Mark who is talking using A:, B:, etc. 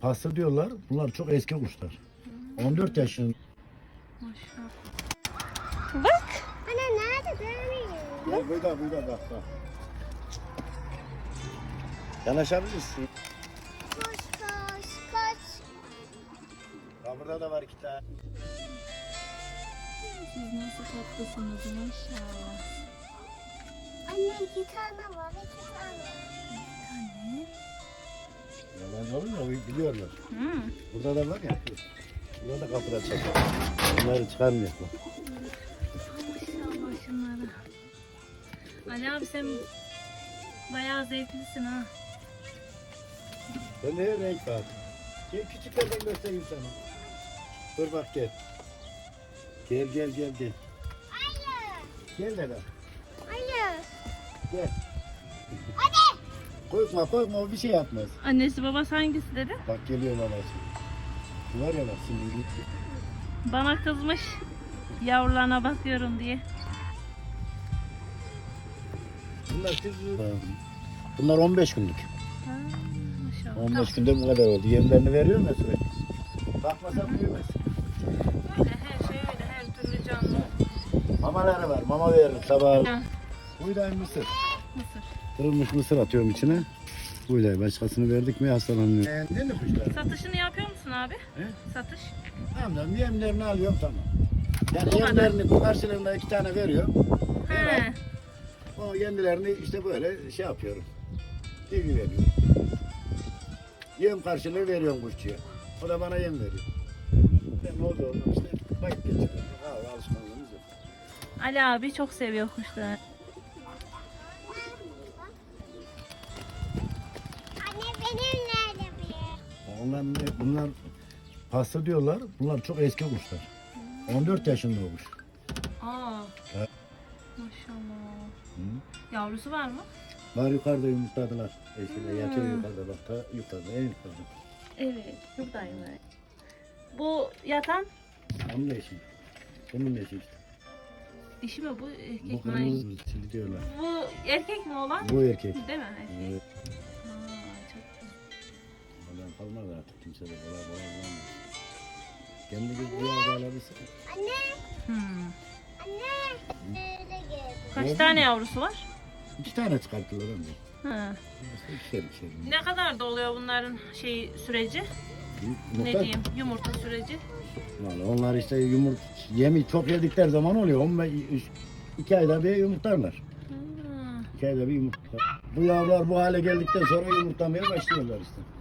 A: pasta diyorlar. Bunlar çok eski kuşlar. 14 yaşında.
B: Maşallah. Bak.
C: Anne nerede görmüyorum.
A: Gel burada bak. Yanaşabilirsin.
C: Koş.
A: Ya burada da var iki tane.
B: Siz nasıl tatlısınız maşallah.
C: Anne 2 tane var 2 tane.
B: Anne.
A: Yalan olur mu? Biliyorlar.
B: Hmm.
A: Burada da var ya. Burada da kapıda çekiyor. Bunları çıkarmıyor.
B: Maşallah şunlara. Ali abi sen bayağı zevklisin ha.
A: Ben de renk var. Gel küçüklerden göstereyim sana. Dur bak gel. Gel.
C: Hayır.
A: Gel dede.
C: Hayır.
A: Gel. Korkma o bir şey yapmaz.
B: Annesi babası hangisi dedi?
A: Bak geliyor babası. Şu var ya bak şimdi.
B: Bana kızmış yavrularına bakıyorum diye.
A: Bunlar 15 günlük.
B: Ha, maşallah.
A: 15 günde bu kadar oldu. Yemlerini veriyor mu sürekli? Bakmasan büyümez.
B: Öyle her şey öyle her türlü canlı.
A: Mamaları var. Mama veririm sabah.
B: Ha,
A: Buğday mısır.
B: mısır.
A: Kırılmış mısır atıyorum içine. Buğday başkasını verdik mi hastalanıyor. Beğendin mi kuşları?
B: Satışını yapıyor musun abi?
A: He?
B: Satış.
A: Tamam yemlerini alıyorum tamam. Yani
B: Bu
A: yemlerini bu karşılığında 2 tane veriyor.
B: He.
A: O kendilerini işte böyle şey yapıyorum. Bilgi veriyorum. Yem karşılığı veriyorum kuşçuya. O da bana yem veriyor. Ben ne oldu işte vakit geçiriyorum. Alışkanlığımız yok.
B: Ali abi çok seviyor kuşları.
C: Anne benim nerede bir?
A: Bunlar pasta diyorlar. Bunlar çok eski kuşlar. 14 yaşında olmuş.
B: Aa.
A: Evet.
B: Maşallah.
A: Hı.
B: Yavrusu var mı?
A: Var yukarıda yumurtladılar. Eskiden yatıyor yukarıda bak ta yukarıda en yukarıda.
B: Evet. Buradayım ben. Bu yatan
A: Onun eşi. Bunun eşi işte.
B: dişi mi bu
A: Bu
B: erkek mi?
A: kırmızı çili diyorlar.
B: Bu erkek mi olan?
A: Bu erkek.
B: Değil mi erkek?
A: Evet.
B: Aa, çok güzel.
A: Ondan kalmaz artık kimse de kolay bulamaz. Kendi gibi alabilsin.
C: Anne.
B: Hmm.
C: Nerede geldi?
B: Kaç tane yavrusu var?
A: 2 tane çıkarttılar önce.
B: Ha.
A: İkişer.
B: Ne kadar da oluyor bunların süreci? Ne diyeyim? Yumurta süreci.
A: Vallahi onlar işte yemi çok yedikleri zaman oluyor. 2 ayda bir yumurtlarlar.
B: Hmm.
A: 2 ayda bir yumurtlar. Bu yavrular bu hale geldikten sonra yumurtlamaya başlıyorlar işte.